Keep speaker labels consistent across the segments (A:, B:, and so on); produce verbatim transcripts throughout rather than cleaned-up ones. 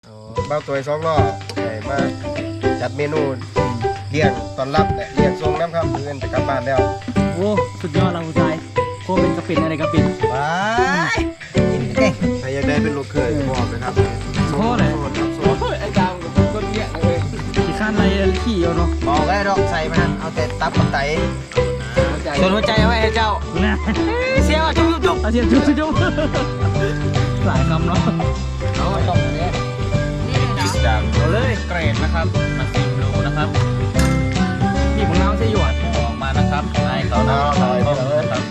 A: เบ้าตัวสองล้อใหญ่มากจัดเมนูเลี้ยงตอนรับและเลี้ยงทรงน้ำครับเพื่อนจะกลับบ้านแล้ว
B: โอ้สุดยอดเราผู้ชายโคเป็นกระปิ่นอะไรกระปิ่น
C: ว้ายกินเก่ง
A: ใครอยากได้เป็นลูกเคยบอกนะครับ
B: โคเลย
D: ไอ้ดาวกับคนเนี้ยเลย
B: ขี่ข้านอะไรขี่เอาเนาะ
C: บอกได้ดอกใส่มันเอาแต่ตับกับไตส่วนหัวใจเอาไว้ให้เจ้าเสียวจุ๊บจุ๊บ
B: เอาเสียบจุ๊บจุ๊บหลายคำเนาะ
C: เอาตรงนี้
D: เอาเลยเกรดนะครับมาสิบโลนะครับ
B: นี่ของเราใช่หยด
D: ออกมานะครับให้เขาหน้าเขานะครับ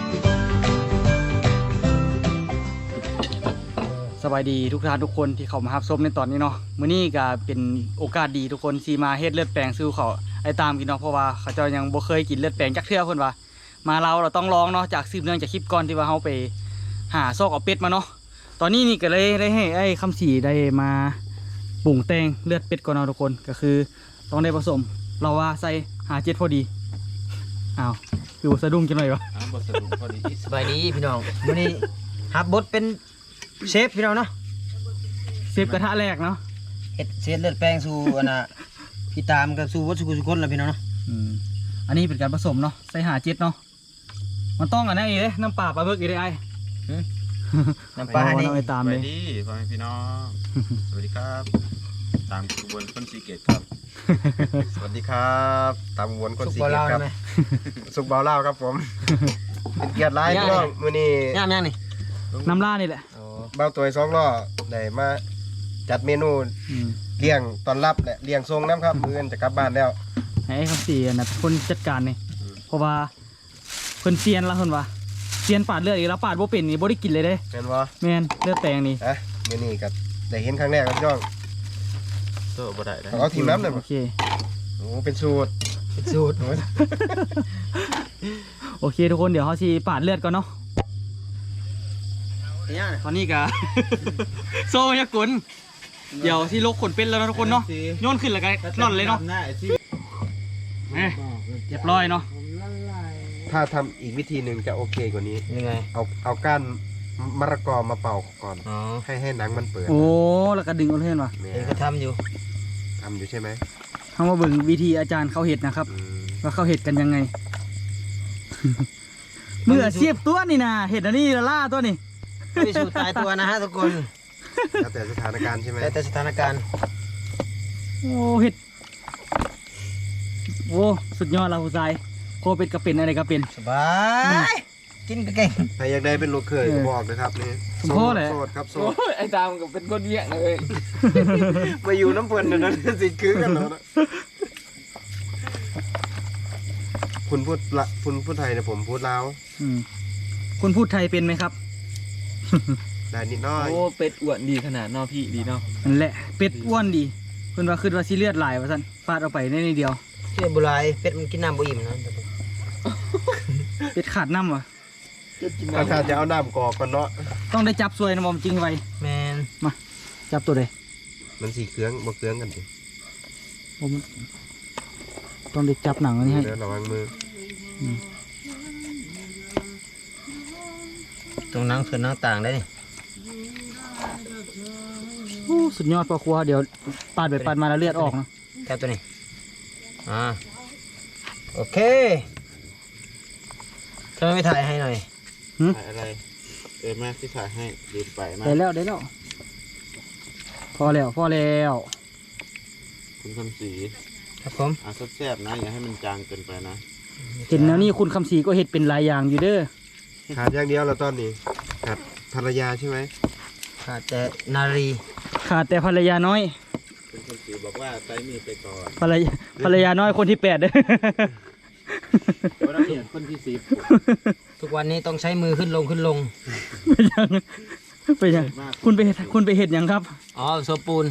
B: สบายดีทุกท่านทุกคนที่เข้ามารับชมในตอนนี้เนาะมื้อนี้ก็เป็นโอกาสดีทุกคนที่มาเฮ็ดเลือดแปลงซื้อเขาไอ้ตามกินเนาะเพราะว่าเขาเจ้ายังบ่เคยกินเลือดแปลงจักเทื่อเพิ่นว่ามาเราเราต้องลองเนาะจากสืบเนื่องจากคลิปก่อนที่ว่าเฮาไปหาซอกเอาเป็ดมาเนาะตอนนี้นี่ก็เลยได้ให้ไอ้คำสีได้มาปรุงแต่งเลือดเป็ดก่อนเนาะทุกคนก็คือต้องได้ผสมเราว่าใส่หาเจ็ดพอดีอ้าวคือสะดุ้งจังหน่อยวะ
D: บทสรุปพอดี
C: สบายดีพี่น้องวันนี้ฮับบดเป็นเชฟพี่น้องเนาะ
B: เซฟกระทะแรกเนาะ
C: เฮ็ดเศษเลือดแป้งสู่อันน่ะพี่ตามกับสู่วัตถุกุศลแล้วพี่น้องเนาะ
B: อืมอันนี้เป็นการผสมเนาะใส่หาเจ็ดเนาะมันต้องอันนี้อีกเลยน้ำปลาปลาเบิกอีกเลยไอ้
C: น้ำปลานี่
B: ไปตามเลย
D: สวัสดีพ่อแม่พี่น้องสวัสดีครับตามกระบวนคนสีเกตครับ
A: สวัสดีครับตามวนคนสีเกตครับสุกเบาเล่าครับผมเป็นเกียรติร้ายพี่น้องมื้อนี้
C: ย่างย่างนี่
B: น้ำล่านี่แหละ
A: เบ้าตัวสองล้อได้มาจัดเมนูเลี้ยงตอนรับและเลี้ยงทรงน้ำครับเพื่อนจะกลับบ้านแล้ว
B: ให้คำเสียนะคนจัดการนี่เพราะว่าเพิ่นเซียนละคนว่าเซียนปาดเลือดอีกแล้วปาดบ่เป็นนี่บ่ได้กินเลยเด้
A: แม่นบ่
B: แม่นเลือดแตงนี่
A: ฮะมื้อนี้ก็ได้เห็นครั้งแรกครับพี่น้อง
D: โซ่บ่ได้ได้
A: เอาทีมน้ำหน่อย
B: โอเค
A: โอ้เป็นสูตร
C: เป็นสูตร
B: โอเคทุกคนเดี๋ยวเขาสิปาดเลือดก่อนเนาะตอนนี้ก็โซ่ยากุนเดี๋ยวที่ลกขนเป็นแล้วนะทุกคนเนาะโยนขึ้นแล้วกันร่อนเลยเนาะเรียบร้อยเนาะ
A: ถ้าทำอีกวิธีหนึ่งจะโอเคกว่านี้
C: ยังไง
A: เอาเอาก้านมะละกอมาเป่าก่อนให้ให้หนังมันเปิด
B: โอ้แล้วก็ดึงเอาเพื่อนว่ะ
C: เองก็ทำอยู่
A: ทำอยู่ใช่ไหม
B: เขามาเบิ่งวิธีอาจารย์เขาเห็ดนะครับว่าเขาเห็ดกันยังไงเมื่อเสียบตัวนี่นะเห็ดอันนี้ละล่าตัวนี่
C: ไม่สูตายตัวนะฮะทุกคน
A: แล้วแต่สถานการณ์ใช่ไหม
C: แล้วแต่สถานการณ์
B: โอ้เห็ดโอ้สุดยอดเราผู้ชายโคเป็นกระเป็นอะไรกระเป็น
C: สบายกินก็เก่ง
A: ใครอยากได้เป็นลูกเคยบอกนะครับนี่
B: โซ่เลย
A: โสดครับโสด
D: ไอ้ดาวกับเป็นคนเนี้ยเลย
A: มาอยู่น้ำเพลินนั่นสิคือกันแล้วนะคุณพูดละคุณพูดไทยนะผมพูดลาว
B: คุณพูดไทยเป็นไหมครับ
A: ได้นิดน้อย
D: โอ้เป็ดอ้วนดีขนาดนอพี่ดีเนาะ
B: นั่นแหละเป็ดอ้วนดีคุณว่าคือว่าซีเลือดไหลวะท่านฟาดเอาไปในนิดเดียว
C: เชื่อบุไรเป็ดมันกินน้ำบุอิ่มนะ
B: เป็ดขาดน้ำวะ
A: ถ้าขาดจะเอาน้ำกอกก่อนเนาะ
B: ต้องได้จับซวยนะมอมจริงไว้
C: แมน
B: มาจับตัวเลย
A: มันสีเครื่องบวกเครื่องกันดิ
B: ผมต้องได้จับหนังอันนี้ให้
A: ระวังมือ
C: ตรงนั่งส่วนนั่งต่างได้นี่
B: สุดยอดพ่อครัวเดี๋ยวปาดไปปาดมาแล้วเลือดออกนะ
C: แค่ตัวนี้อ่าโอเคเธอไม่ถ่ายให้หน่อย
D: ถ่ายอะไรเออแม่ที่ถ่ายให้ดีไปมาก
B: ได้แล้วได้แล้วพอแล้วพอแล้ว
D: คุณคำศรี
C: ครับผม
D: อ่ะแซ่บๆนะอย่าให้มันจางเกินไปนะ
B: เห็นแล้วนี่คุณคำศรีก็เห็ดเป็นลายอย่างอยู่เด้อ
A: ขาดอย่างเดียวแล้วตอนนี้ขาดภรรยาใช่ไหม
C: ขาดแต่นารี
B: ขาดแต่ภรรยาน้อย
D: คุณคำศรีบอกว่าใส่มีไปก่อน
B: ภรรยาภรรยาน้อยคนที่แปดเด้อ
D: คนที่สิบ
C: ทุกวันนี้ต้องใช้มือขึ้นลงขึ้นลง
B: ไปยังไปยังคุณไปคุณไปเห็ดยังครับ
C: อ๋อโซปูน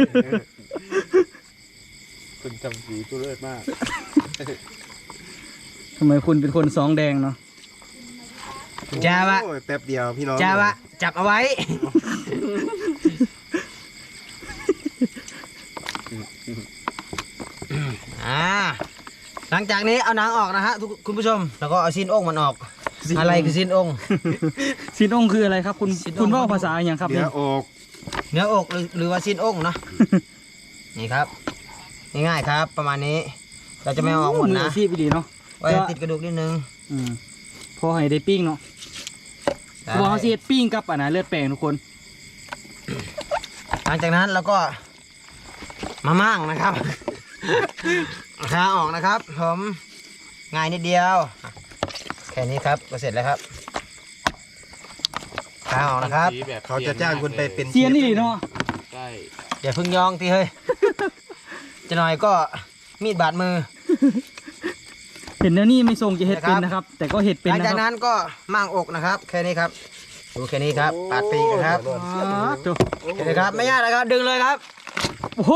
D: คุณจำสีตัวเลิศมาก
B: ทำไมคุณเป็นคนสองแดงเนาะ
C: จ้าวะ
A: แป๊บเดียวพี่น้อง
C: จ้าวะจับเอาไว้อ่าหลังจากนี้เอาหนังออกนะฮะทุกคุณผู้ชมแล้วก็เอาซีนองมันออกอะไรคือซีนอง
B: ซีนองคืออะไรครับคุณคุณว่าภาษาอย่างครับ
A: เนื้ออก
C: เนื้ออกหรือหรือว่าชิ้นอกเนาะ นี่ครับง่ายๆครับประมาณนี้เราจะไม่เอาออกหมดนะ
B: ซีบดีเนาะ
C: ไว้ให้ติดกระดูกนิดนึง
B: อืมพอให้ได้ปิ้งเนาะพอเขาสิเฮ็ดปิ้งกับอันนะเลือดแปลงทุกคน
C: หลังจากนั้นเราก็มาม่างนะครับ ขาออกนะครับผมง่ายนิดเดียวแค่นี้ครับก็เสร็จแล้วครับขาออกนะครับ
D: สีแบบ
A: เขาจะจ้างคุณไปเป็น
B: เซียนนี่เนาะ
D: ใช่
C: อย่าเพึ่งยองทีเฮ้ย จะหน่อยก็มีดบาดมือ
B: เห็นแล้วนี่ไม่ทรงจะเฮ็ดเป็นนะครับ แต่ก็เฮ็ดเป็น
C: หลัง
B: นะ
C: จาก
B: ครั
C: นั้
B: บ
C: นก็ม่างอกนะครับ แค่นี้ครับดูแค่นี้ครับปาดปีกนะครับ
B: อ๋อจบ
C: แค่นี้ครับไม่ยากเลยครับดึงเลยครับ
B: โอ้โห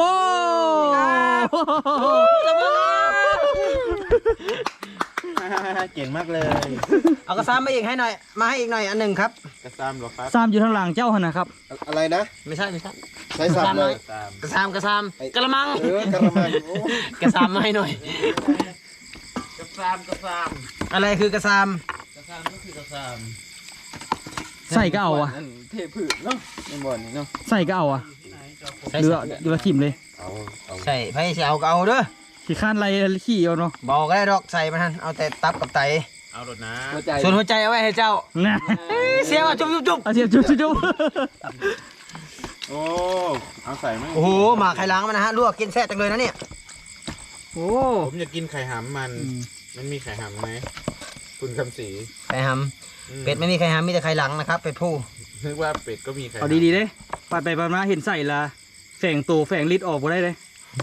D: เก่งมากเลย
C: เอากระซ้ำมาอีกให้หน่อยมาให้อีกหน่อยอันหนึ่งครับ
D: กระซ้ำหรอครับ
B: ซ้ำอยู่ข้างหลังเจ้าหั่นนะครับ
A: อะไรนะ
C: ไม่ใช่ไม่ใช่
A: ใช้สับเลย
D: ซ้
C: กระซ้ำกระซ้ำกระมัง
A: เออกระมังโอ้
C: กระซ้ำมาให้หน่อย
D: ำกระซ้ำกระซ้
C: อะไรคือกระซ้
D: ำกระซ้ำก็คือกระซ้
B: ใส่ก็เอาอะ
D: ำนั่นเทพืชเนาะในบ่อนนี่เนาะ
B: ใส่ก็เอาอะ
C: ำใส่
B: เรือเรือทิ่มเลย
A: เอาเอา
C: ใส่ไผ่เสียเอาก็เอาเด้อ
B: ขี้ข้านไรขี้เอาเนาะ
C: บอกก็ได้ดอกใส่มาทันเอาแต่ตับกับไต
D: เอารถนะ
C: ส่วนหัวใจเอาไว้ให้เจ้า
B: นะ
C: เสียว่าจุ๊บจุ๊บจุ๊บ
B: เอาเสียบจุ๊บจุ๊บจุ๊บ
D: โอ้เอาใส่ไหม
C: โอ้โหหมาไข่ล้างมันนะฮะลวกกินแซ่บจังเลยนะเนี่ย
B: โอ้
D: ผมอยากกินไข่หำมัน
B: อืม
D: มันมีไข่หำไหมคุณคำศรี
C: ไข่ห
D: อืม
C: ำเป็ดไม่มีไข่หำมีแต่ไข่หลังนะครับเป็ดผู้
D: นึกว่าเป็ดก็มีไข่
B: เอาดีๆเด้ไปไปไปมาเห็นใส่ละแฝงตัวแฝงลิดออกบ่ได้เลย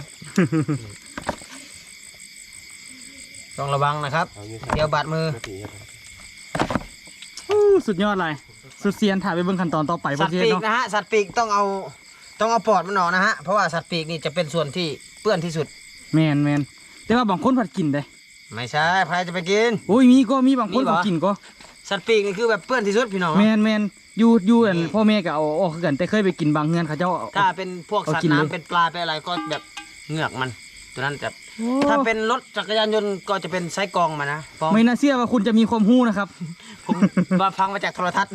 C: ต้องระวังนะครับ
A: เอาอยู่
C: เดี๋ยวบาดมือ
B: อู้สุดยอดเลยสุดเซียนถ่ายไปเบิ่งขั้นตอนต่อไป
C: สั
B: บ่
C: ตว์
B: เซียน
C: ปีก
B: เนาะ
C: นะฮะสัตว์ปีกต้องเอาต้องเอาปอดมันออกนะฮะเพราะว่าสัตว์ปีกนี่จะเป็นส่วนที่เปื้อนที่สุด
B: แมนแมนแต่ว่าบางคนผัดกินได้
C: ไม่ใช่ใครจะไปกิน
B: โอ้ยมีก็มีบางคน
C: มีเหรอ
B: เขากินก็
C: สัตว์ปีกนี่คือแบบเปื้อนที่สุดพี่น้อง
B: แมนแมนอยู่อยู่อันพ่อแม่ก็เอาออกคือกันแต่เคยไปกินบางเฮือนเขาเจ้าเอา
C: ถ้าเป็นพวกสัต
B: เอากิ
C: ว์
B: นเลย
C: น้ำเป็นปลาเป็นอะไรก็แบบเหงือกมันตัวนั้นจะ
B: โอ้
C: ถ้าเป็นรถจักรยานยนต์ก็จะเป็นไซส์กรองมานะฟ้อง
B: ไม่น่าเชื่อว่าคุณจะมีความรู้นะครับ
C: ผมมาฟังมาจากโทรทัศน์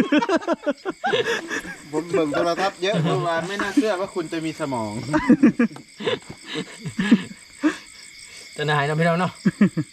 A: ผมเบิ่งโทรทัศน์เยอะ
D: เมื่อวานไม่น่าเชื่อว่าคุณจะมีสมอง
C: จะนายนะพี่น้องเนาะ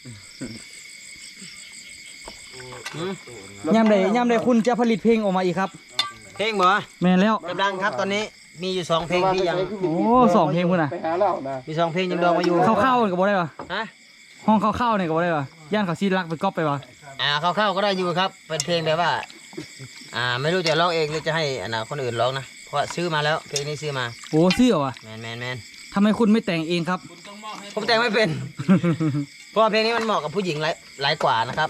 B: ย่ำใดย่ำใดคุณจะผลิตเพลงออกมาอีกครับ
C: เพลงเหรอ
B: แมนแล้ว
C: กำลังครับตอนนี้มีอยู่สองเพลงที่ยัง
B: โอ้สองเพลงคุณน่ะ
A: ไปหาเรานะ
C: มีสองเพลงยังดองมาอยู่
B: เข้าๆกันก็บ่ได้ปะ
C: ฮะ
B: ห้องเข้าๆเนี่ยก็บ่ได้ปะย่านเขาซีรักไปก๊อปไปปะ
C: อ่าเข้าๆก็ได้อยู่ครับเป็นเพลงแบบว่า อ่าไม่รู้จะร้องเองหรือจะให้อันน่ะคนอื่นร้องนะเพราะว่าซื้อมาแล้วเพลงนี้ซื้อมา
B: โอ้ซื้อเหรอวะ
C: แมนแมนแมน
B: ทำไมคุณไม่แต่งเองครับ
C: ผมแต่งไม่เป็น เพราะว่าเพลงนี้มันเหมาะกับผู้หญิงหลายหลายกว่านะครับ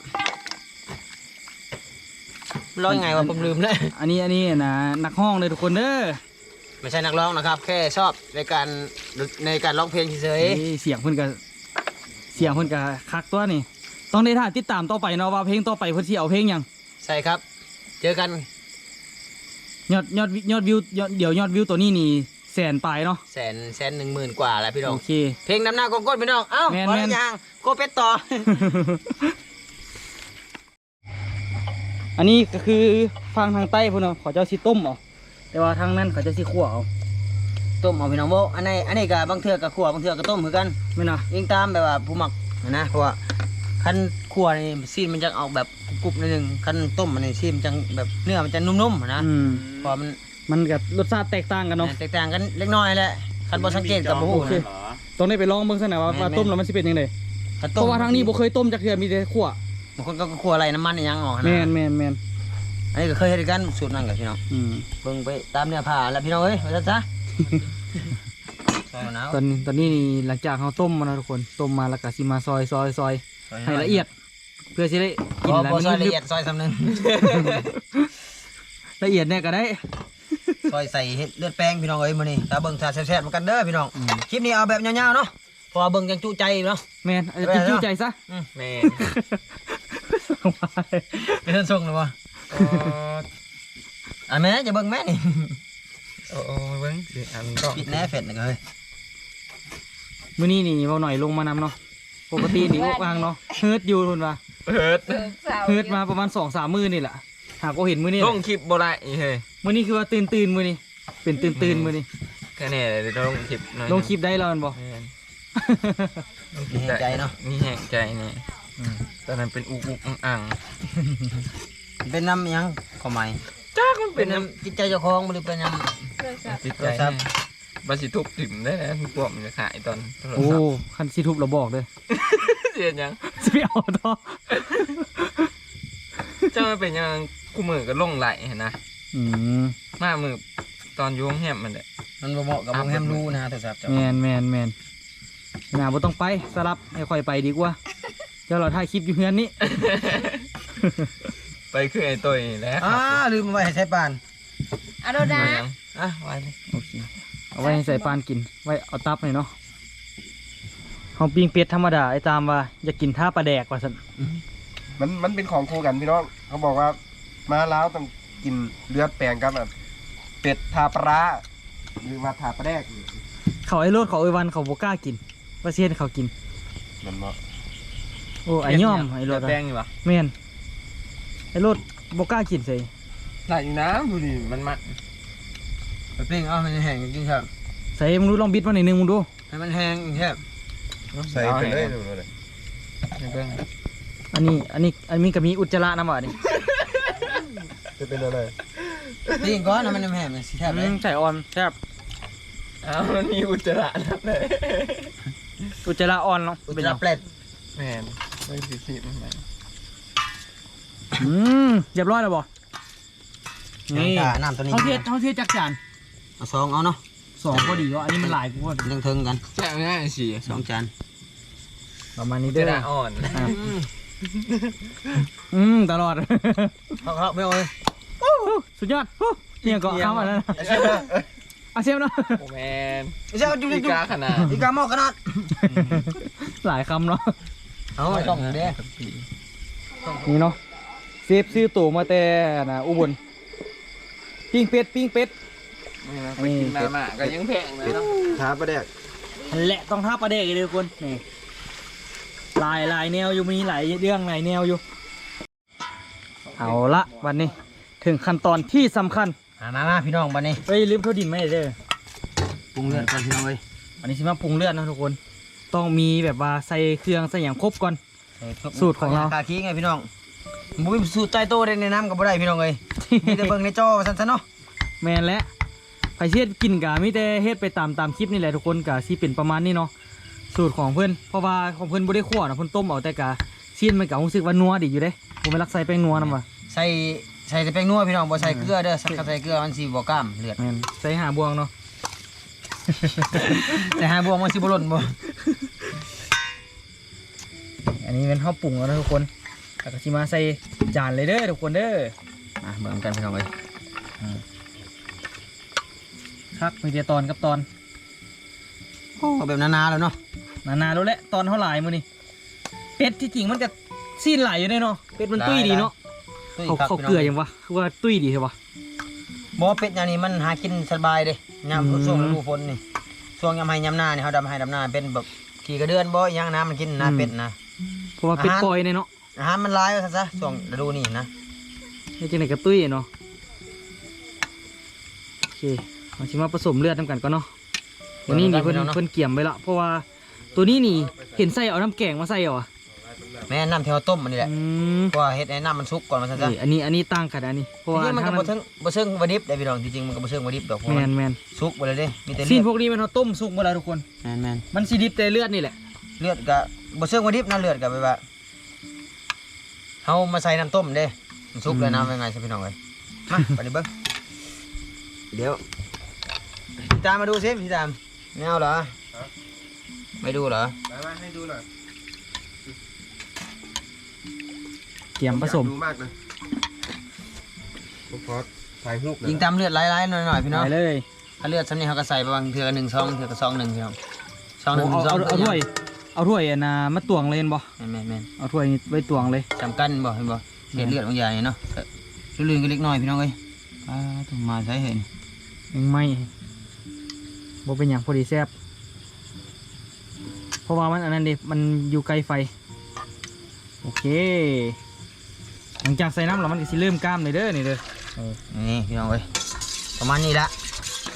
C: ร้องยังไงวะผมลืมเลย
B: อันนี้อันนี้นะนักห้องเลยทุกคนเด้อ
C: ไม่ใช่นักร้องนะครับ แค่ชอบในการในการร้องเพลงเฉย
B: นี่เสียงเพิ่นกับเสียงเพิ่นกับคักตัวนี่ต้องได้ท่าติดตามต่อไปเนาะว่าเพลงต่อไปเพิ่นสิเอาเพลงหยัง
C: ๆใช่ครับ เจอกัน
B: ยอดยอดยอดวิวยอดเดี๋ยวยอดวิวตัวนี้นี่แสนปลายเนาะ
C: แสนแสนหนึ่งหมื่นกว่าแล้วพี่น้อง
B: โอเค
C: เพลงนำหน้ากองก้นพี่น้องเอ้า
B: แม่น
C: พอ
B: แม่
C: แล้ว
B: น
C: ยังโกเป็ดต่อ
B: อันนี้ก็คือฟังทางใต้พุ่นเนาะเขาเจ้าสิต้มเอาแต่ว่าทางนั้นเขาเจะสิคั่วเอา
C: ต้มเอาพี่น้องโบอันนี้อันนี้กับบางเทือกับขัวบางเทือกับต้มเหมือนกัน
B: แม่นน่ะ
C: ยิงตามแบบว่าผู้หมักนะเพราะว่าคันขัวนี่ซีนมันจะออกแบบกรุบๆนิดนึงคันต้มมันนี่ซีนมันจะแบบเนื้อมันจะนุ่มๆนะ
B: อืม
C: เพราะมัน
B: มันกับรสชาติแตกต่างกันเนาะ
C: แตกต่างกันเล็กน้อยแหละคันบ่สังเกตกับบ่ฮู้
B: โอเค
C: นะ
D: เหรอ
B: ต้องได้ไปลองเบิ่งซะหน่อยว่า
C: แม่น
B: ว่าต้มแล้วมันสิเป็นยังไง
C: คัน
B: เพ
C: ต้ม
B: ราะว่าทางนี้บ่เคยต้มจักเทื่อมีแต่คั่ว
C: บางคนก็ขัวอะไรน้ำมันอีหยังออกนะ
B: แม่นแม่นแม่น
C: อันนี้ก็เคยเฮ็ดกันสูตรนั้นกับพี่น้อง
B: อืม
C: เบิ่งไปตามเนื้อผ้าแล้วพี่น้องเอ้ยว่าซะ ซอยมะนาว
B: ตอนตอนนี้นี่หลังจากเขาต้มมาแล้วทุกคนต้มมาแล้วก็สิมาซอยซอยซอยให้ละเอียด เพื่อสิได้กิน
C: บ่
B: แล้ว
C: บ่ซอย
B: มัน
C: ละเอียดซอยสำนึง
B: ละเอียดเนี่ยก็ได้
C: ซอยใส่เห็ดเลือดแป้งพี่น้องเอ้ยมื้อนี้ถ้าเบิ่งถ้าแซ่บๆเหมือนกันเด้อพี่น้อง
B: อืม
C: คลิปนี้เอาแบบยาวๆเนาะเพอเบิ่งจังจุใจเนาะ
B: แม่นอาจจะจิ้วใจซะ
C: อืมแม่เป็นท่านส่งหรือวะอ่ะแม่จะเบิ่งแม่นี่
A: โอ้เบิ่งสิอันก็
C: ปิดแน่เฟ็ดนะเฮ้ย
B: มื้อนี้นี่เบาหน่อยลงมานำเนาะปกตินี่วางเนาะเฮิร์ตอยู่ทุนว่า
D: เปิด
B: เฮิร์ตมาประมาณสองสามมื้อนี่แหละหากก็เห็นมื้อนี้
D: ลงคลิปบ่ได้เฮ้ย
B: มื้อนี้คือว่าตื่นตื่นๆมื้อนี้เป็นตื่นๆมื้อนี้
E: แค่นี้เลยลงคลิปหน่อย
B: ลงคลิปได้แล้วแม่นบ่
E: แม่น
C: มีใจเนาะ
E: มีแหงใจนี่ตอนนั้นเป็นอุกอุกอังอัง
C: เป็นน้ำยังขอใหม่
E: จ้ามัน
C: เป็
E: เป็น น
C: น้
E: น้
C: ำจิตใจเจ้าของหรือเป็นน้
E: ำจิตใจ
C: โทรศัพท์
E: บาสิทุบถิ่มได้นะทุกพวกมันจะขายตอนโทร
B: โอ้
E: ศัพท์
B: คันสิทุบเราบอกเด้อ
E: เสียยัง
B: สิไปเอาต่อ
E: เจ้ามันเป็นยังกูมือก็ลงไหลเห็นนะ
B: อืม
E: มามือตอนอยุ่งแฮมมันเด้
C: ำมันบ่เหมาะกับวงแฮมรูนะโทรศัพท์เจ้า
B: แม่นแม่นแม่นน่าบ่ต้องไปสลับให้ค่อยไปดีกว่าเดี๋ยวเราถ่ายคลิปอยู่เฮือนนี้
E: ไปคือไอ้ตัวนี่แหละ
C: อ่าลืมเอาไว้ให้ใช้ปาน
F: อะโดนะ
E: เอายังอ่ะไว้เลย
B: โอเคเอาไว้ให้ใส่ปานกินไว้เอาตับหน่อยเนาะเฮาปิ้งเป็ดธรรมดาไอ้ตามว่าอยากกินท่าปลาแดกว่าซั่น
A: มันมันเป็นของคู่กันพี่น้องเขาบอกว่ามาแล้วต้องกินเลือดแปลงกับแบบเป็ดทาปลาร้าหรือว่าทาปลาแดก
B: เขาไอ้โลดเขาไอ้วันเขาบ่กล้ากินว่าเซียนเขากิน
A: มันเหมาะ
B: โอ้ไอ้ย่อมไอ้โลด
E: แดงอยู่ปะ
B: แม่นไอ้โลดบ่กล้ากินใส่
E: ไหลอยู่น้ำดูดิมันมัน
C: ไปปิ้งเอาให้มันแห้งจริงๆครับ
B: ใส่มึงดูลองบิดมาหน่อยหนึงมึงดู
C: ให้มันแห้งแค่
A: ใส่ไปเลยดูเลย
E: ให้เบิ่ง
B: อันนี้อันนี้อันนี้ก็มีอุจจาระนำอ่ะนี่
A: จะเป็นอะไร
C: ปิ้งก่อนให้มันแห้งมันสิแทบเล
B: อื
C: ย
B: มใส่อ่อนแซ่บ
E: อ้าวมันมีอุจจาระนับเลย
B: อุจจาระอ่อนเนาะ
C: อุจ
B: เป็น
C: จา
B: หยั
C: ระ
B: ง
C: เปล็ด
E: แมนไม่สิสิมันไหม
B: อืมเรียบร้อยแล้วบ่นี่
C: อ่าน้ำตัวนี้
B: เฮาเทศเฮาเทศจักจาน
C: เอาซองเอาเนาะ
B: สองพอดีว่าอันนี้มันหลายกูว่า
C: เรื่องเทิงกัน
E: แช่ง่ายสิ
C: สองจาน
B: ประมาณนี้
E: อุจ
B: เด้
E: จา
B: อ
E: ระอ่อน
B: อ่ะอืมตลอด
C: เขาเขาไม่เอาเลย
B: สุดยอดฮู้เนี่ยก็เข้ามาแล้วนะอาเซียมเนาะ
E: โอ้แมน
C: เจ้าจุ๊บ
E: อี
C: จุ๊บ
E: กาขนาด
C: อีกาหม้อขนาด
B: หลายคำเนาะ
C: เอาไอ้ช่องเด้
B: นี่เนาะเซฟซื้อตั๋วมาแต่นะอุบลปิ้งเป็ดปิ้งเป็ด
E: นี่นะไปกินมาม่าก็ยังแพงเลยเนาะ
A: ทาปลาแดก
B: นั่นแหละต้องท่าประเดกเลยทุกคนนี่หลายหลายแนวอยู่มีหลายเรื่องหลายแนวอยู่เอาละวันนี้ถึงขั้นตอนที่สำคัญ
C: มามามาพี่น้องบัดนี้
B: เฮ้ยลืมเท่าดินไม่ได้เด้อ
C: ปรุงเลือดก่อนพี่น้องเลย
B: อันนี้สิมาปรุงเลือดนะทุกคน ต้องมีแบบว่าใส่เครื่องใส่อย่างครบก่อน สูตรของเรา
C: คาคีไงพี่น้องบุ้ยสูตรใจโตได้ในน้ำกับบ่ได้พี่น้องเลยมีแต่เบิ่งในจอสั้นๆเนาะ
B: แมนและไผเฮ็ดกินกะมีแต่เฮ็ดไปตามตามคลิปนี่แหละทุกคนกะสิเป็นประมาณนี้เนาะสูตรของเพื่อนเพราะว่าของเพื่อนบ่ได้คั่วนะเพิ่นต้มเอาแต่กะซีนมันกะรู้สึกว่านัวดีอยู่เด้ผมไม่รักใส่แป้งนัวนำว่ะ
C: ใส่ใส่แต่แป้งนัวพี่น้องบ่ใส่เกลือเด้อสักใส่เกลือมันสิบ่กล้ามเลือด
B: แมนใส่หาบวงเนาะ
C: แต่หาบวงมันสิบ่หล่นบ่
B: อันนี้เป็นข้าวปรุงแล้วนะทุกคนแล้วก็สิมาใส่จานเลยเด้อทุกคนเด้อ
C: อ่ะเบิ่งกันพี่น้องเลย
B: คักมีแต่ตอนกับตอน
C: เอาแบบนาๆแล้วเนาะ
B: นานๆแล้วแหละตอนเท่าไหร่มื้อนี้เป็ดที่จริงมันจะซีนหลายอยู่เด้เนาะเป็ดมันตุ้ยดีเนาะ
C: ตุ้ย
B: เขา
C: ครับ
B: เขา
C: พี่น้
B: เกลือยังวะคือว่าตุ้ยดีใช่ปะ
C: บ่เป็ดอย่างนี้มันหากินสบายเด้ยาม
B: อืม
C: ช่วงฤดูฝนนี่ช่วงยามให้ยามหน้านี่เฮาดำให้ดำหน้าเป็นแบบขี่กระเดือนบ่อีหยังน้ำมันกินนะเป็ดนะ
B: เพราะว่าเป็ด
C: อาหาร
B: ปล่อยเนี่ยเนาะ
C: อาหารมันหลายว่าซั่นซะช่วงฤดูนี้นะ
B: นี่จังไหนกับตุ้ยเนาะโอเคมาชิมาผสมเลือดน้ำกันก่อนเนาะวันนี้นี่เพิ่นเพิ่นเกี่ยมไปละเพราะว่าตัวนี้นี่เห็นใส่เอาน้ำแกงมาใส่เหรอ
C: แม่น้ำที่เฮาต้มมันนี่แหละ
B: อืม
C: เพราะว่าเฮ็ดให้น้ำมันสุกก่อนว่าซั่นซะ
B: นี่อันนี้อันนี้ตั้งกันอันนี้เพราะ
C: จ
B: ว่า
C: ริงๆมันก็
B: ถ้า
C: บ่ถึงบ่เชิงว่าดิบได้พี่น้องจริงๆมันก็บ่เชิงว่าดิบดอกเพราะ
B: แม
C: มัน
B: นแมน
C: สุกบ่เลยเด้มีแต่
B: ซี
C: เลื
B: น
C: อด
B: พวกนี้มันเขาต้มสุกหมดแล้วทุกคน
C: แม่น
B: มันสีดิบแต่เลือดนี่แหละ
C: ๆเลือดก็บ่เชิงว่าดิบนะเลือดก็แบบว่าเฮามาใส่น้ำต้มเด้มันสุกเลยนะว่าไงซะพี่น้องเอ้ยมาไปดิเบิ่งเดี๋ยวพี่ตามมาดูสิพี่ตามไม่เอาเหรอไม่ดูเหรอ
A: มาให้ดูหน่อย
B: เกี่ยมผสม
A: อยากดูมากเลยผมขอถ่ายรูปหน่อย
C: ยิงตามเลือดไหลๆหน่อยๆพี่น้อง
B: ไปเลย
C: ถ้าเลือดซ้ำนี่เขาก็ใส่ประมาณเทือหนึ่งซองเทือก็ซองหนึ่งพี่น้องซองหนึ่ง
B: เอา
C: ซอ
B: เอา
C: ง
B: เอาถ้วยเอาถ้วยอันน่ะมาตวงเลยเห็นบ่
C: แม่นแม่นแม่น
B: เอาถ้วยนี้ไว้ตวงเลย
C: จำกันบ่เห็นบ่เศษเลือดบางอย่างนี่เนาะก็ลื่นๆก็เล็กน้อยพี่น้องเอ้ยอ่าต้องมาใช้เห็น
B: ยังไม่บ่เป็นอย่างพอดีแซ่บเพราะว่ามันอันนั้นดิมันอยู่ไกลไฟโอเค หลังจากใส่น้ำแล้วมันก็สิเริ่มกล้ามเลยเด้อนี่เด้อ
C: นี่พี่น้องเอ้ยประมาณนี้ละ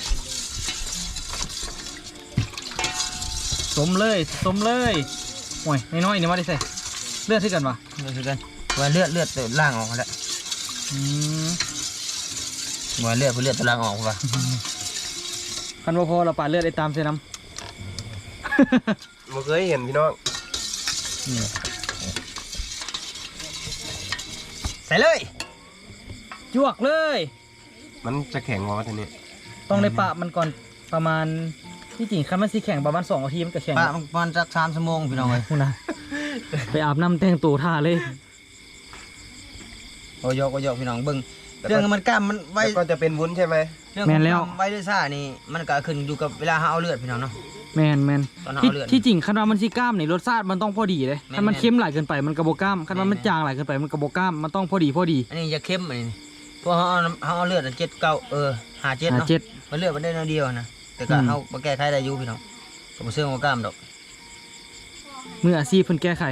B: สมเลยสมเลยโอ้ยน้อยๆนี่มาได้ใส่เลือดที่กันปะ
C: เลือดคือกันว่าเลือดเลือดตัวล่างออกแล้ว
B: อืม
C: ว่าเลือดเพื่อเลือดตัวล่างออกป่ะ
B: คันว่าพอเราปาดเลือดไอ้ตามเส้นน้
A: บ่เคยเห็นพี่น้อง
C: ใส่เลย
B: ำจวกเลย
A: มันจะแข็งกว่าทีนี้
B: ต้องได้ปะมันก่อนประมาณที่จริงคันมันสีแข็งประมาณสองนาทีมันก็แข็ง
C: ปะมันประมาณสักสามชั่วโมงพี่น้องเลย
B: คุณนะไปอาบน้ำแต่งตัวท่าเลย
C: โอ้ยกโอ้ยกพี่น้องเบิ้งเรื่องมันกล้ามมันไว้
A: แล้วก็จะเป็นวุ้นใช่ไหม
C: เรื่องของกล้ามไว้ด้วยซ่านี่มันก็ขึ้นอยู่กับเวลาเอาเลือดพี่น้องเนาะ
B: แมนแมน
C: ตอนเอา
B: ที่
C: เลือด
B: ที่จริงคันว่ามันสีกล้ามนี่รสชาติมันต้องพอดีเลย
C: แม่น
B: คันมัน
C: แม่น
B: เค็มหลายเกินไปมันกระโบกล้ามคันว่ามัน
C: แม่น
B: จางหลายเกินไปมันกระโบกล้ามมันต้องพอดีพอดี
C: อันนี้จะเข้มอันนี้เพราะเขาเอาน้ำเขาเอาเลือดอันเจ็ดเก้าเออหาเจ็ด
B: หา
C: เนาะ
B: เจ็ด
C: มันเลือดมันได้น้อยเดียวนะแต่ก็
B: อืม
C: เขามาแก้ไขได้อยู่พี่น้องผมเชื่อว่ากล้ามดอก
B: มืออาชีพเพิ่นแก้ไข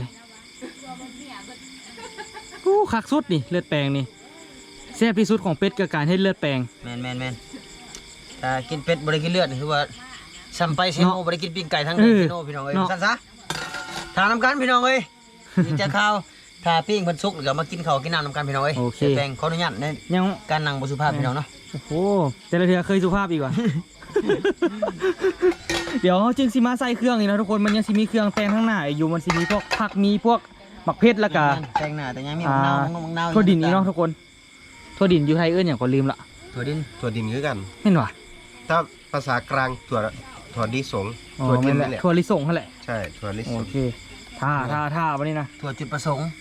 B: โอ้คักสุดนี่เลือดแปลงนี่แซ่บที่สุดของเป็ดกับการให้เลือดแปลง
C: แมนแมนแมนถ้ากินเป็ดบริกินเลือดนี่คือว่าซัมไปเซโน
B: เนาะ
C: บริกินปิ้งไก่ทั้ง
B: เออ
C: เซโนพี่น้องเอ้ย
B: เนาะ
C: สั้นซะทานน้ำกันพี่น้องเอ้ยนี่จะข้าวถ้าปิ้งเพันสุกหรือมากินข้าวกินน้ำน้ำกันพี่น้องเอ้ย
B: โอเค
C: แต่แปลงขออนุญาตใน
B: ยัง
C: การนั่งบสุภาพพี่น้องเนาะ
B: โอ้โหแต่ละเทือเคยสุภาพอีกว่ะ เดี๋ยวจึงสิมาใส่เครื่องนี่นะทุกคนมันยังสิมีเครื่องแต่งข้างหน้าอยู่มันสิมีพวกผักมีพวกหมักเพชรแล้วก็
C: แปลงหน้าแต่ยังมี
B: อ่า
C: มังนาวมังนาวมังนาว
B: ถั่วดินนี่เนาะทุกคนถั่วดินอยู่ไทยเอื้อนอย่างก็ลืมละ
C: ถั่วดิน
A: ถั่วดินคือกัน
B: เห็นว่ะ
A: ถ้าภาษากลางถั่วถั่วดิสง
B: อ๋อ
A: ถั่วดิ
B: นั่
A: น
B: นแหละ
A: นี่แหละ
B: ถั่วลิสงนั่นแหละ
A: ใช่ถั่วลิส
B: โอง เคท่าท่าท่าวันนี้นะ
C: ถั่วจุดประสงค์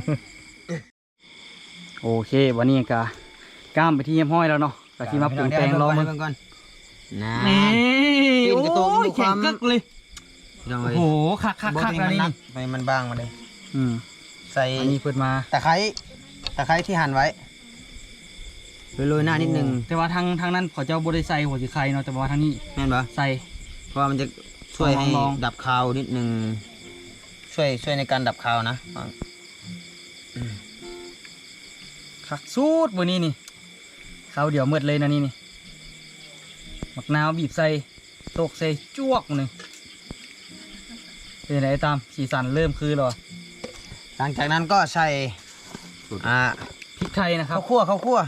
B: โอเควันนี้ก็กล้ามไปที่เยี่ยมห้อยแล้วเนาะก็ที่มาปรุงแต่งรอ
C: มั
B: มัน
C: ก่อนนะ
B: นี่
C: กิน
B: โอ้
C: กระตุก
B: ย
C: ดูค
B: แข็
C: วาง ม
B: กึกเลย
C: พี่น้อง
B: โอ้
C: เอ้ย
B: โหคักคักคัก
C: บ่
B: แล้ว
C: ให้
B: นี่
C: มันหกไปมันบางมาเลย
B: อืม
C: ใส่
B: อันนี้เปิดมา
C: ตะไคร้ตะไคร้ที่หั่นไว้โรยๆหน้านิดนึง
B: แต่ว่าทางทางนั้นขอเจ้าบริไซหัวสีไข่เนาะแต่ว่าทางนี้
C: แม่นปะ
B: ใส่
C: เพราะว่ามันจะช่วยให้
B: ลองๆ
C: ดับคาวนิดนึงช่วยช่วยในการดับคาวนะ
B: คักสูตรวันนี้นี่ข้าวเดี๋ยวมืดเลยนะนี่นี่หมักนาวบีบใส่ตกใส่จวกหนึ่งเป็นไงตามสีสันเริ่มคือหรอ
C: หลังจากนั้นก็ใส่อ่า
B: พริกไทยนะครับ
C: ข้าวคั่วข้าวคั่ว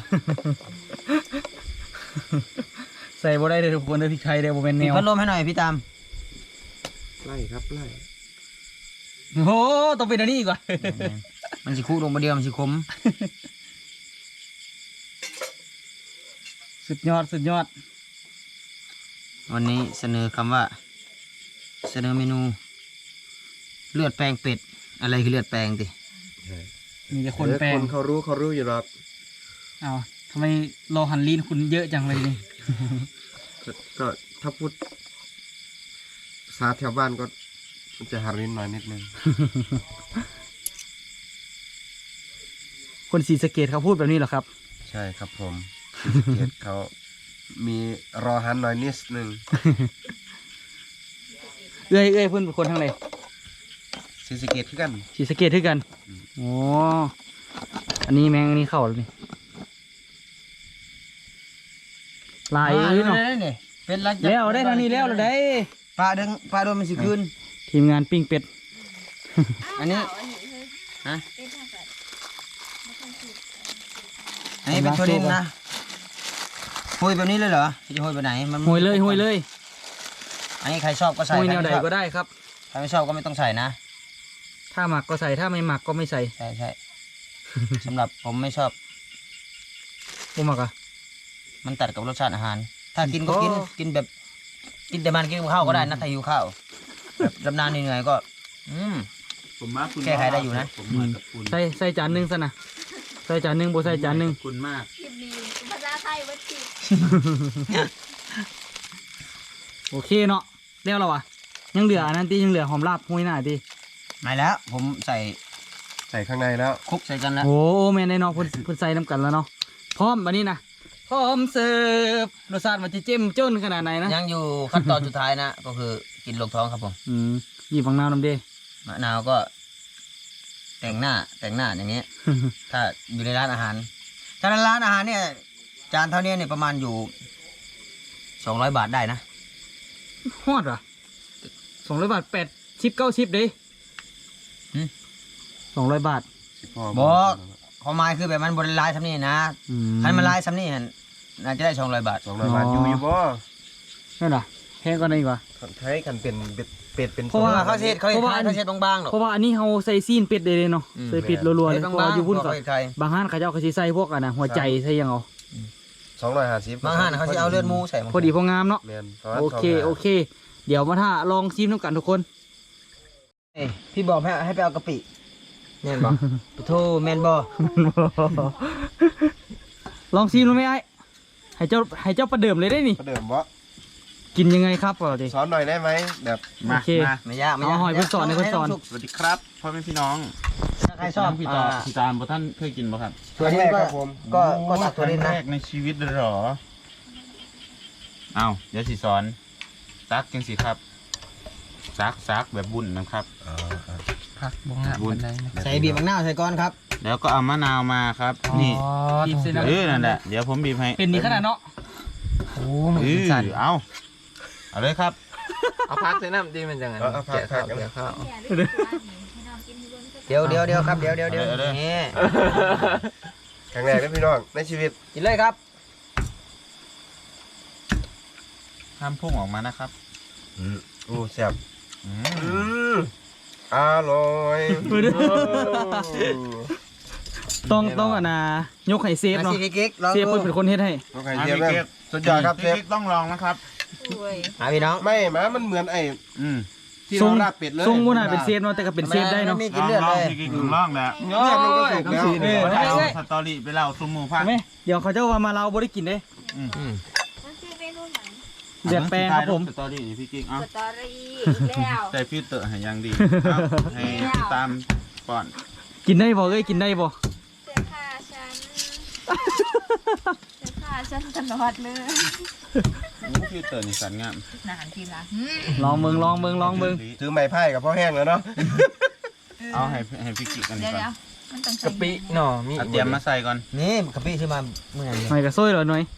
B: ใส่บ่ได้เลยทุกคนเลยพริกไทยเดี๋ยวบ่เป็นแน
C: ปิด
B: ว
C: พัดลมให้หน่อยพี่ตาม
A: ไล่ครับไล่
B: โอ้โหต้องเป็นอันนี้อีกว่า
C: มันสิคู่ลงมาเดียวมันสิคม
B: สุดยอดสุดยอด
C: วันนี้เสนอคำว่า เสนอเมนู เลือดแปลงเป็ดอะไรคือเลือดแปลงติ
B: มีแต่คนแปล
A: ค
B: ง
A: นเขารู้เขารู้อยู่หรอก
B: อ้าวทำไมรอหันลีนคุณเยอะจังเลยนี่
A: ก็ก็ถ้าพูดภาษาแถวบ้านก็จะหารินหน่อยนิดนึง
B: คนศรีสะเกดเขาพูดแบบนี้เหรอครับ
A: ใช่ครับผมศรีสะเกษเขามีรอหันหน่อยนิดนึง
B: เอ้ยเอ้ยเพื่อนเป็นคนทางไหน
A: ศรีสะเกษคือกัน
B: ศรีสะเกดด้วยกันโอ้อันนี้แมงอันนี้เข้าแล้วนี่ลายเอ้ยเนาะ
C: นี่เป็นไร
B: แล้วได้ทางนี้แล้วเหราได้
C: ปลาดึงปลาโดนมันสิคืน
B: ทีมงานปิ้งเป็ด
C: อันนี้ฮะอันนี้เป็นถั่วดินนะโหยแบบนี้เลยเหรอจะโหยแบบไหนมัน
B: หวยเลยหวยเลย
C: อันนี้ใครชอบก็
B: ห
C: ใส่
B: วยแนว
C: ใคร
B: ใด
C: ไม่ชอบ
B: ก็ได้ครับ
C: ใครไม่ชอบก็ไม่ต้องใส่นะ
B: ถ้าหมักก็ใส่ถ้าไม่หมักก็ไม่ใส่
C: ใช่ใช่ สำหรับผมไม่ชอบ
B: บ่หมักอ่ะ
C: มันตัดกับรสชาติอาหาร ถ้ากินก็กิน
B: โอ้
C: กินแบบ กินแต่มันกินกับข้าวก็ได้นะถ้าหิวข้าวแบบดำนานเหนื่อยๆก็ อืม
D: ผมมาคุณ
C: แก้ไขได้อยู่นะ
D: ผมมากับคุณ
B: ใส่ใส่จานหนึ่งซะนะใส่จานหนึ่งบ่ใส่จานหนึ่ง
D: ขอบคุณมาก
F: คลิปนี้ภาษาไทยวัดจิต
B: โอเคเนาะเรียกเราวะยังเหลืออันนั้นตียังเหลือหอมลาบห้วยหน้าตี
C: ไม่แล้ว ผมใส่
A: ใส่ข้างในแล้ว
C: คลุกใส่กันแล้ว
B: โอ้แม่นได้เนาะเพุ่นเพุ่นใส่น้ำกันแล้วเนาะพร้อมวันนี้นะพร้อมเสิร์ฟรสชาติมันจะเจ้มจ้นขนาดไหนนะ
C: ยังอยู่ขั้นตอนสุดท้ายนะ ก็คือกินลงท้องครับผม
B: อืมหยิบฝังน้ำน้ำเด้
C: มะนาวก็ แต่งหน้าแต่งหน้าอย่างเงี้ย ถ้าอยู่ในร้านอาหาร ถ้าในร้านอาหารเนี่ย จานเท่านี้เนี่ยประมาณอยู่สองร้อยบาทได้นะ
B: ฮอดวะสองร้อยบาทแปดชิปเก้าชิปเด้สองร้อยบาท
C: บอกความหมายคือแบบมันบนลายซ้ำนี่นะ
B: อื
C: คันมันลายซ้ำนี่หั่นน่าจะได้สองร้อยบาท
A: สองร้อยบาทอยู่อยู่บ่
B: นั่นน่ะแพงกว่านั้นอีกว่ะ
A: ใช้กันเป็นเป็ดเป็ดเป็น
B: เพราะว่า
C: เขาเช็ดเขาเช็ดเขาเช็ดบางๆหรอก
B: เพราะว่าอันนี้เฮาใส่ซีนเป็ดได้เลยเนาะใส่เป็ดรัวๆเลย
C: เช็ด
B: เพราะ
C: บาง
B: ว่า
C: ๆ
B: อยู่พุ่น
C: ก็
B: ก็
C: ใคร
B: บางห้านเขาเจ้าก็สิใส่พวกอันน่ะหัวใจใส่หยังเอา
A: สองร้อยห้าสิบบ
C: างห้านเขาจะเอาเลือดหมูใส่
B: พอดีพองามเนาะ
A: แม่นประมาณ
B: โอเค
A: สงร้ย
B: โอเค เดี๋ยวมาถ้าลองชิมน้ำกันทุกคน
C: เอ้ยพี่บอกให้ให้ไปเอากะปิแม่นบ่โทแม่นบ่
B: ลองชิมดูไหมไอ้ให้เจ้าให้เจ้าประเดิมเลยได้นี่
A: ประเดิมบ่
B: กินยังไงครับเอาดิ
A: สอนหน่อยได้ไหมแบบ
B: โอ
D: มา
B: เค
D: มา
C: ไม่ยากไม่ยาก
B: เอาหอยเพิ่นสอนให้เพิ่นสอน
D: สวัสดีครับพ่อแม่พี่น้อง
C: ถ้าใครชอบ
D: พี่
C: อ่า
D: ตาพี่ตาลบ่ท่านเคยกินบ่ครับ
C: ตัวนี้ก็ก็ก็ตักตัวนี้
D: ครั้
C: นะ
D: งแรกในชีวิตเลยเหรอเอาเดี๋ยวสิสอนซักจังสิครับซักซักแบบบุญนะครับ
E: พักบ่งาม
D: บุญ
E: ปานใดนะ
C: ใส่บีบมะนาวใส่ก้อนครับ
D: แล้วก็เอามะนาวมาครับ นี่
B: บีบเส้น
D: เออนั่นแหละเดี๋ยวผมบีบให้
B: เป็นนี่ขนาดเนาะ
E: โอ้มัน
D: เอ
E: เป็น
D: อ
E: สั่น
D: เอาเอาเลยครับ
E: เอาพักใส่น้ำดีมันจังไงแกะข้าวแกะข้าว
F: แก่ด้วยกันให้น้องกินด้วยกัน
C: เดี๋ยวเดี๋ยวเดี๋ยวครับเดี๋ยวเดี๋ยวเดี๋ยว
D: เอาเลย
C: นี่
A: ครั้งแรกนะพี่น้องในชีวิต
C: กินเลยครับ
D: ห้ามพุ่งออกมานะครับ
A: โอ้แซ่บ
D: อื
A: อื
D: ม
A: มอร่อย
B: ต้องต้องอ่ะนะยกให้เซฟ
C: มา
B: เนาะ
C: สิพี่กิ๊กลอง
B: เซฟ
C: ดู
B: เพิ่นเป็นคนเฮ็ดให้
A: น้องไข่เจียวแม่งสุดยอดครับเชฟ
D: พี่กิ๊กต้องลองนะครับ
F: โอ้ย
C: มาพี่น้อง
A: ไม่หมามันเหมือนไอ้
D: อืม
A: ที่
B: ทรง
A: เราลาบเป็ดเลย
B: ทรงบ่น่าเป็นเซฟเนาะแต่ก็เป็นเซฟได้เนาะ
C: มี
D: ล
C: กิน
D: อง
C: เลือด
D: ลอ
C: เล
D: ง
C: ย
D: พี่กิ๊กถึงลองแล้ว
A: เลือดมันก็สุกแล้ว
B: เออ
D: เอาสตอรี่ไปเล่าสู่หมู่ฟัง
B: แม่เดี๋ยวเขาเจ้าว่ามาเราบ่ได้กินเด้
D: อืม
F: มันคือเมนูหนัง
B: เดือดแปลงครับผม
D: สตอรี่นี่พี่กิ๊กเอา
F: สตอรี่อีกแล้ว
D: ใส่ฟิลเตอร์ให้อยังดีเอาให้พี่ตามก่อน
B: กินได้บ่เอ้ยกินได้บ่
F: เสื้อผ้าฉันเสื้อผ้าฉันตลอดเลย
D: ฟิลเตอร์นี่สันงาม
F: นานทีละ
B: ลองเบิ่งลองเบิ่งลองเบิ่ง
A: ถือไม้ไผ่กับพ่อแห้งแล้วเนาะ
D: เอาให้ให้พี่กิ๊กกัน
F: เดี๋ยว
D: ก่อน
F: เดี๋ยวมันต้องใส่
E: กะปิเนาะมี
D: เอาเตรียมมาใส่ก่อน
C: นี่กะปิซื้อมาเมื่อไหร่
B: ไม่กระซวยเหรอหน่อย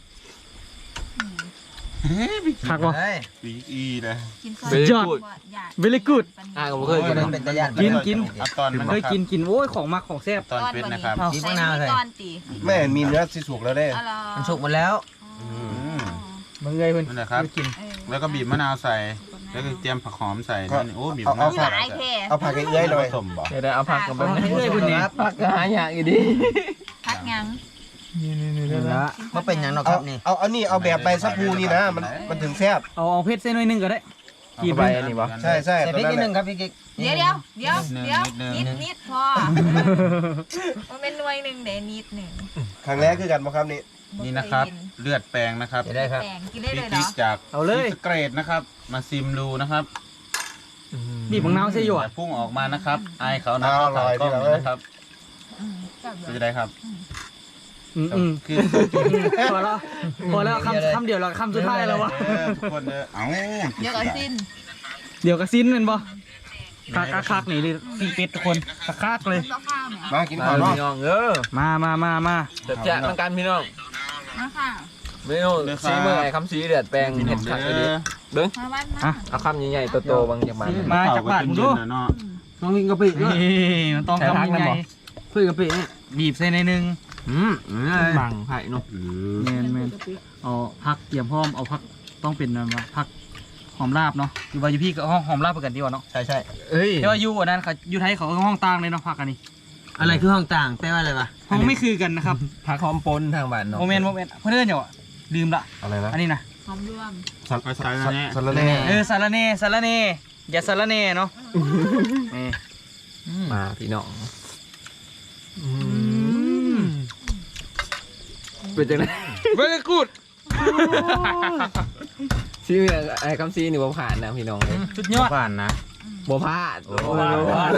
B: คักบ่
C: เฮ้ย
D: พี่อีเลย
F: กินซอย
E: เบร
B: ยอด
E: กูด
B: very good
E: อ่าก็บ่เคย
C: โอ้
E: กิ
C: ย
E: น
C: มัน
E: นะ
C: เป็นตะยาน
B: กินกิน
D: เอาตอนมัน
B: เคยกินกินโอ้ยของมักของแซ่บ
D: ตอนเป็นนะครับ
B: เอา
C: กินมะนาวใส่
F: ตอนตี
A: แม่มีเนื้อที่สุกแล้วเด้
F: อ๋อเหรอ
C: มันสุกหมดแล้ว
F: อ๋อ
B: เบิ่งเลยเพิ่น
D: นั่นแหละครับ
B: กิน
F: เออ
D: แล้วก็บีบมะนาวใส่ แล้วก็เตรียมผักหอมใส่นั่นนี่โอ้บีบ
A: เอา
D: มะนาว
A: เอา
D: ใส่
F: หลายแค่
A: เอาผักให้เอื้อยหน่อย
D: ผสมบ่
E: เดี๋ยวได้เอาพักกันไป
B: เอาให้เอื้อยเพิ่นนี่
E: พักก็หายากอยู่ดี
F: พักยัง
C: นี่ละมันเป็นอย่างเนอกค
A: เอา
C: รับนี่
A: เอาเอานี่เอาแบบใบสะพูนี่นะมันมันถึงแซ่บ
B: เอาเอาเพชรเส้นหน่อยหนึงก็ได้
D: กี่ใบอันนี้วะ
A: ใช่ใช่
C: ใส่
A: ตอน
C: พริก
A: นั้น
C: นิดนึง
A: แห
C: ค
A: ละ
C: รับพี่กิ๊ก
F: เดี๋ยวเดี๋ยวเดี๋ยว
D: นิดนึง
F: เดี๋ยว
D: นิ
F: นิ
D: ด
F: ด
D: นึง
F: นิดพอมันเป็นหน่วยหนึ่งเดี๋ยวนิดหนึ่ง
A: ครั้งแรกคือกันบ่ครับนี่
D: นี่นะครับ เลือดแปลงนะครับ
C: จะได้ครับ
F: แปลงกินได้เล
D: พี่
F: ยเหร
D: กิ๊
F: อก
D: จาก
B: เอาเลย
D: สเกรดนะครับ มาซิมดูนะครับ
B: บีบมะนาวใส่อยู่
D: อ
B: อ่ะ
D: ย่าพุ่งออกมานะครับอายเขานะเขาถ่ายกล้องอยู่นะครับ
F: อืมจับ
D: เป็นจะได้ครับ
B: อืมอืม
D: คือ
B: พอแล้วพอแล้วคำคำเดียวแล้วคำสุดท้ายแล้ววะ
D: เออทุกคนเด้อเอ้า
F: เดี๋ยวก็สิ้น
B: เดี๋ยวกระซินเป็นบ่คักคักคักนี่เลยปีเป็ดทุกคนคักคักเลย
F: ก็ข้าวเนี่ย
A: มากิน
E: มา
A: ข้าวเนาะ
E: พี่น้องเออ
B: มามามามา
E: จัดแจ๊ะมันกันพี่น้อง
F: มาค่ะ
E: เมนูซีเมื่อไอ้คำซีเดือดแปลง
D: พี่น้
E: เห็
D: อง
E: ด
D: เด้
E: ขัดไปดิ
D: อ
E: เบิ้ง
F: มาบ้านมา
B: อ่ะ
E: เอาคำใหญ่ๆโตๆบางอย่างมัน
B: มาจากบ้านมึงดู
D: เนาะ
C: ต้องกินกะปิด้วย
B: นี่มันต้อง
E: ใส่พัก
B: ทำยัง
E: นะ
B: ไง
E: บ่
C: เพื่อกะปินี่
B: บีบใส่ในหนึ่ง
C: อืม
E: บังไผ่เนาะ
B: แมนแมนเอาพักเตรียมพร้อมเอาพักต้องเป็นอะไรวะพักหอมลาบเนาะอยู่ว่าอยู่พี่ก็ห้องหอมลาบไปกันดีกว่าเนาะ
C: ใช่ใช่
E: เอ้ย
B: แต่ว่าอยู่อันนั้นเขาอยู่ไทยเขาก็ห้องต่างเลยเนาะพักอันนี้
C: อะไรคือห้องต่างแปลว่าอะไรวะ
B: ห้องไม่คือกันนะครับ
E: พักหอมปนทางบ้านเนาะ
B: โมเมนต์โมเมนต์เพื่อนเดี๋ยวอะลืมละ
A: อะไรนะ
B: อันนี้นะ
F: หอมรวม
A: สัตว์
D: ไปใส่แล้วเนี่ย
A: สัตว์ละแน่
B: เออสารเน่สารเน่อย่าสารเน่เนาะนี่
E: มาพี่น้องเป็นจังไง
B: very good
E: ซีเมื่อไอ้คำซีนี่บ่ผ่านนะพี่น้องเลย
B: สุดยอด
D: ผ่านนะ
E: บ่พลาด
D: โอ้
E: บ่พลาด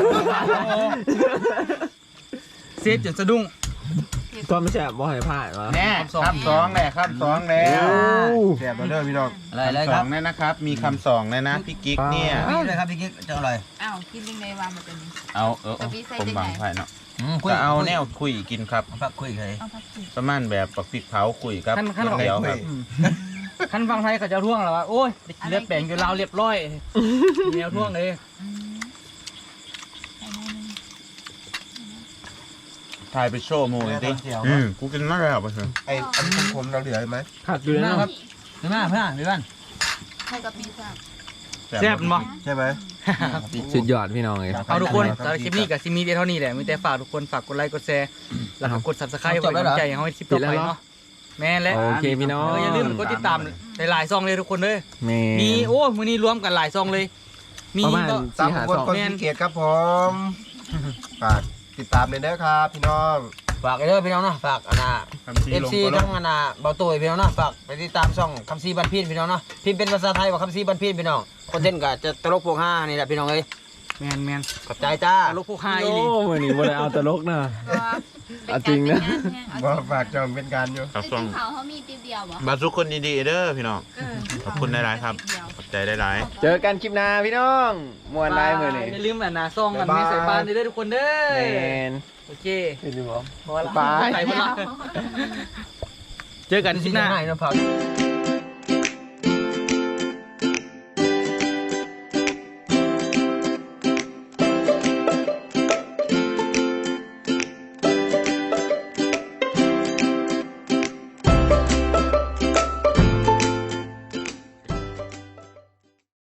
B: เซฟจนสะดุ้ง
E: ก็ไม่ใช่บ่ให้พลาดวะ
D: แน่คำสองแน่คำสองแล้ว
A: แซ่บแล้วเด้อพี่น้อง
C: อะไรอะไร
D: คำส
C: ค
D: อ
C: รั
D: ง
C: บ
D: เนี่ยนะครับ มีคำสองเลยนะพี่กิ๊กเนี่ย
C: นี่เลยครับพี่กิ๊กจะอร่อย
F: อ้าวกินยังไงวางมาตัวนี้
D: เอาเออ
F: จะมีไส้
D: ผม
F: ได้ไง
D: บางไผ่เนาะ
C: อืมคุย
D: ก็เอาแนวคุยกินครับ
C: เอาพักคุยเลย
F: เอาผักชี
D: ประมาณแบบปักพริกเผาคุยครับ
B: ขั้นขั้น
D: เดียวครับ
B: อืมขั้นฟังไทยเขาจะท่วงแล้วว่าโอ้ยได้กินเลือดแปลงอยู่ลาวเรียบร้อยมีแนวท่วงเลย
D: ถ่ายไปโชว์โมยดิอืมกูกินมากเลยครับเพื่อน
A: ไอ้อันนี้ผมเราเหลือไหม
B: ขาดอยู่นะครับเห็นไหมเพื่อนเพื่อน
F: ให้กับปีศาจ
B: แซ่บมั้ย
A: ใช่ไหม
E: สุดยอดพี่น้องเลย
B: เอาทุกคนสำหรับคลิปนี้กับซิมีเท่านี้แหละมีแต่ฝากทุกคนฝากกดไลค์กดแชร์แล้วก็กด Subscribe ไว้เป็นกำลังใจให้เราในคลิปต่อไปเนาะแม่นและ
E: โอเคพี่น้อง
B: เอออย่าลืมกดติดตามหลายๆซองเลยทุกคนเลย
E: แม่
B: มีโอ้มื้อนี้รวมกันหลายซองเลย มี
E: ประมาณ
B: ก็
A: ตาม
E: สี่หา
A: คน
E: สอง
A: คนที่เกียรติครับผมฝากติดตามเลยนะครับพี่น้อง
C: ฝากไอ้เด้อพี่น้องเนาะฝากอันน่ะ
D: คำชี้
C: เอฟ
D: ลง
C: ซี
D: ก็ล
C: ทั้
D: ง
C: งอันน่ะเบาตุ้ยพี่น้องเนาะฝากไปติดตามช่องคำซีบันพีนพี่น้องเนาะพิมพ์เป็นภาษาไทยว่าคำซีบันพีนพี่น้องคอนเทนต์ก็จะตลกพวกห้านี่แหละพี่น้องเอ้ย
B: แม่นแม่น
C: ขอบใจจ้า
B: ลูกผู้ชาย
E: โอ้
B: นี่
E: วันนี้วันนี้เอาตลกนะ เอาจริงนะ
A: ว่าฝากจองเป็นการอยู่
D: ครับ
F: แต่
D: ส่ง
F: กินข้าวเขามีติ๊บเดียวบ่
D: มาทุกคนดีๆเด้อพี่น้อง
F: เออ
D: ขอบคุณหลายๆครับ
F: ติ๊เดียว
D: ขอบใจหลาย
E: เจอกันคลิปหน้าพี่น้องมวนไลน์มือนี่
B: อย่าลืมอันนะซองกันไม่ใส่ปานเด้อทุกคนเด้อ
E: แมน
B: โอเค
E: เห็นไหมบอ
B: พอละ
E: บาย
B: ใส่หมดละเจอกันคลิปหน้า
C: ให้น้องฝาก